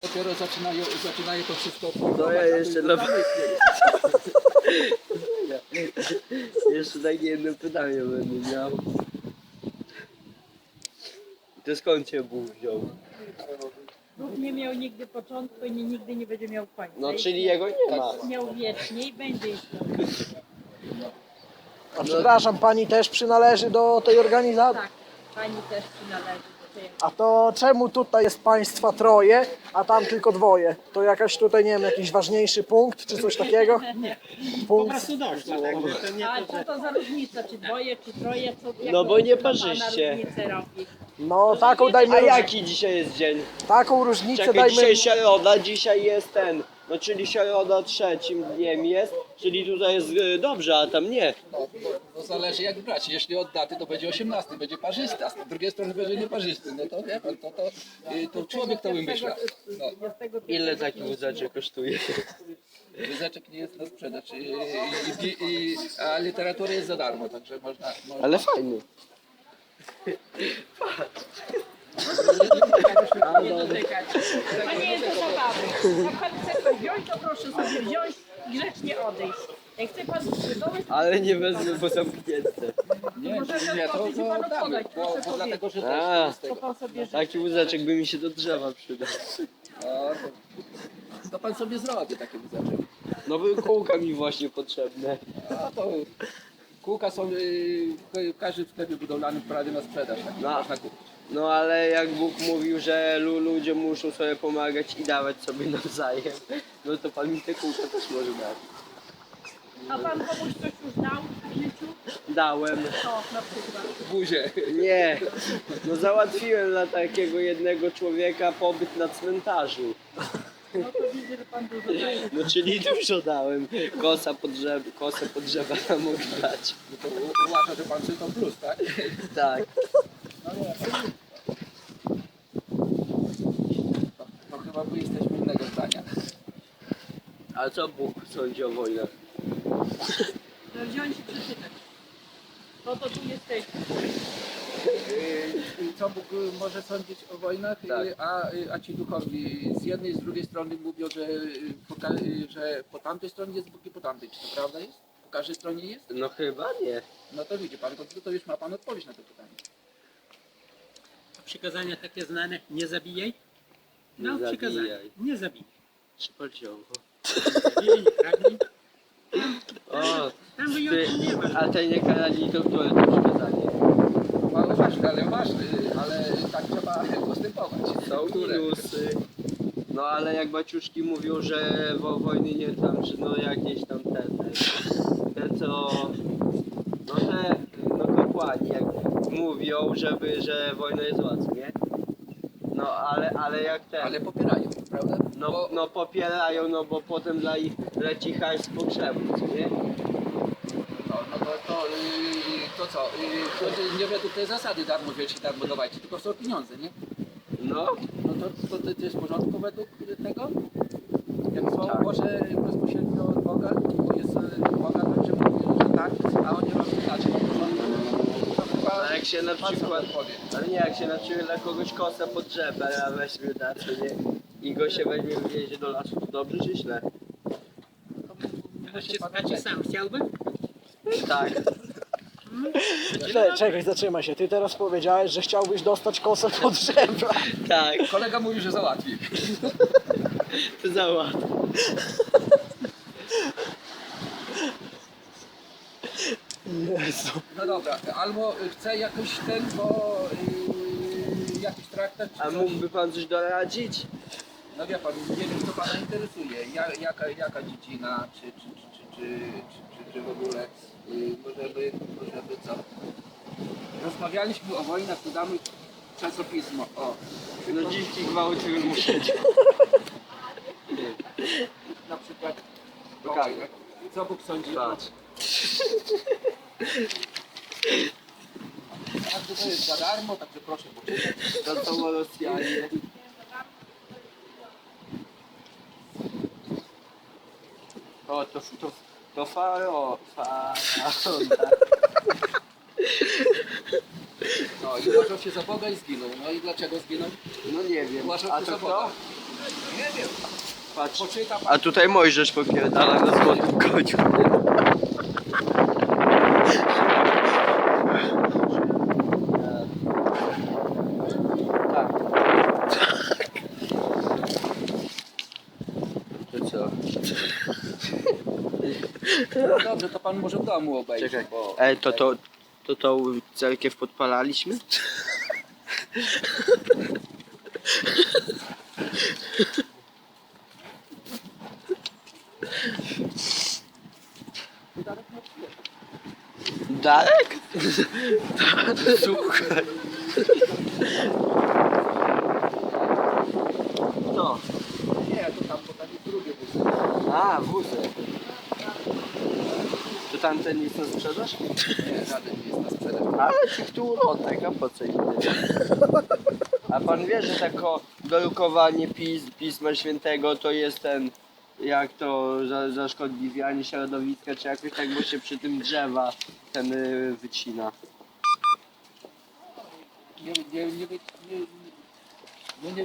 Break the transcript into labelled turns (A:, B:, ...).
A: dopiero zaczynają to wszystko
B: No ja jeszcze na... Jeszcze takie jedno pytanie będę miał. To skąd cię Bóg wziął?
C: Bóg nie miał nigdy początku i nigdy nie będzie miał końca.
B: No czyli jego nie ma.
C: Miał wiecznie i będzie istniał.
D: A przepraszam, pani też przynależy do tej organizacji?
C: Tak, pani też przynależy do tej.
D: A to czemu tutaj jest państwa troje, a tam tylko dwoje? To jakaś tutaj, nie wiem, jakiś ważniejszy punkt, czy coś takiego? Punkt.
C: A co to za różnica, czy dwoje, czy troje? Co,
B: No bo nie
C: jaką
B: parzyście.
C: pana różnicę robi?
D: No taką dajmy
B: A jaki dzisiaj jest dzień?
D: taką różnicę
B: Czekaj,
D: dajmy.
B: dzisiaj środa, dzisiaj jest ten. No czyli środa trzecim dniem jest, czyli tutaj jest dobrze, a tam nie.
A: No zależy jak brać. Jeśli od daty to będzie 18, będzie parzysty, a z drugiej strony będzie nieparzysty. No to wie pan, to człowiek to wymyśla. No,
B: Ile taki wózeczek kosztuje?
A: Wyzeczek nie jest na sprzedaż, a literatura jest za darmo, także można...
B: Ale fajny.
C: Nie dotykać. To nie jest do zabawy. Jak pan chce to wziąć, to proszę sobie wziąć i grzecznie odejść. Jak chce pan sprzedawać,
B: Ale nie wezmę, bo zamknięte.
A: Nie,
C: może
A: nie,
C: to
A: to
C: panu
A: damy,
C: podać,
A: bo
C: proszę
A: dlatego, że
B: A.
A: też jest
C: to
A: tego.
C: pan sobie życzy.
B: Taki wózeczek by mi się do drzewa przydał.
A: No, to pan sobie zrobi taki wyzeczek.
B: No były kółka mi właśnie potrzebne.
A: No to kółka są w każdym sklepie budowlanym prawie na sprzedaż, tak
B: No.
A: można kupić.
B: No ale jak Bóg mówił, że ludzie muszą sobie pomagać i dawać sobie nawzajem, no to pan mi te kółka też może dać.
C: A pan komuś coś już dał w życiu?
B: Dałem.
C: To na przykład.
A: Buzie.
B: Nie, no załatwiłem dla takiego jednego człowieka pobyt na cmentarzu.
C: No to widzę, że pan dużo daje.
B: No czyli dużo dałem. Kosę pod drzewa nam mogę dać.
A: No to uważa, że pan czytał plus, tak?
B: Tak.
A: No nie, to chyba my jesteśmy innego zdania.
B: A co Bóg sądzi o wojnach?
C: No wziąć i przeczytać. No to tu jesteśmy.
A: Co Bóg może sądzić o wojnach,
B: Tak.
A: a ci duchowi z jednej i z drugiej strony mówią, że po tamtej stronie jest Bóg i po tamtej. Czy to prawda jest? Po każdej stronie jest?
B: No chyba nie.
A: No to widzi pan, to już ma pan odpowiedź na to pytanie.
E: Przykazania takie znane, nie zabijaj.
B: Nie
E: No, przykazania,
B: zabijaj.
E: nie zabijaj.
B: Szpolciowo.
E: Zabijaj, nie kradnij.
B: O,
E: Tam
B: ty,
E: wyjątków nie ma.
B: a te nie karali to które to przykazanie?
A: Mało ważne, ale tak trzeba postępować.
B: Są
A: Które?
B: minusy. No ale jak baciuszki mówią, że wojny nie tam, że no jakieś tam te co, no te, no kapłani jak mówią, że wojna jest zła, co nie? No ale jak ten,
A: Ale popierają, prawda?
B: no popierają, no bo potem dla ich leci hajs z pogrzebu, co nie?
A: To co? To nie według tej zasady darmo wziąć i darmo dawajcie, tylko są pieniądze, nie?
B: No,
A: No to jest w porządku według tego? Jak Słowo
B: Tak.
A: Boże bezpośrednio od Boga, bo jest Boga, to że mówi, że tak, a oni robią inaczej, no w porządku. To chyba
B: a jak się na
A: pan
B: przykład,
A: sobie powie.
B: ale nie, jak się na przykład dla kogoś kosę pod drzewem, a weźmie da, co nie? I go się weźmie w wiezie do lasu, to dobrze czy źle?
E: A czy sam chciałby?
B: Tak.
D: Czekaj, zatrzymaj się. Ty teraz powiedziałeś, że chciałbyś dostać kosę pod drzewa.
B: Tak,
A: Kolega mówi, że załatwi.
B: to załatw.
D: Jezu.
A: No dobra, albo chce jakoś bo jakiś traktat czy
B: A
A: coś.
B: mógłby pan coś doradzić?
A: No wie pan, nie wiem co pana interesuje, jaka dziedzina, czy w ogóle może by co? Rozmawialiśmy o wojnach, to damy czasopismo. O,
B: No dziwki gwałty wymuszać.
A: na przykład o
B: Tak.
A: wojnach. Co Bóg sądzi?
B: Patrz.
A: Każdy to jest za darmo, także proszę poczytać.
B: To są Rosjanie. O, to faraon.
A: No i uważał się za Boga i zginął. No i dlaczego zginął?
B: No nie wiem.
A: Uważał
B: A
A: się
B: to
A: za
B: kto?
A: Boga. Nie,
B: patrz.
A: Poczyta pan.
B: A tutaj Mojżesz popierdala na złotym koniu. Tak. To co?
A: No dobrze, to pan może w domu obejrzeć.
B: Czekaj.
A: Bo...
B: To tą cerkiew podpalaliśmy? Darek? Słuchaj. Co?
A: Nie, to tam, bo tam jest drugie wózki.
B: A, wózek. To tamten jest na sprzedaż?
A: Nie, żaden nie jest na sprzedaż.
B: Ale ci tu urotek, a po co im tyle? A pan wie, że tako dorukowanie Pisma Świętego to jest ten, jak to zaszkodliwianie środowiska, czy jakoś tak, bo się przy tym drzewa ten wycina.
A: Nie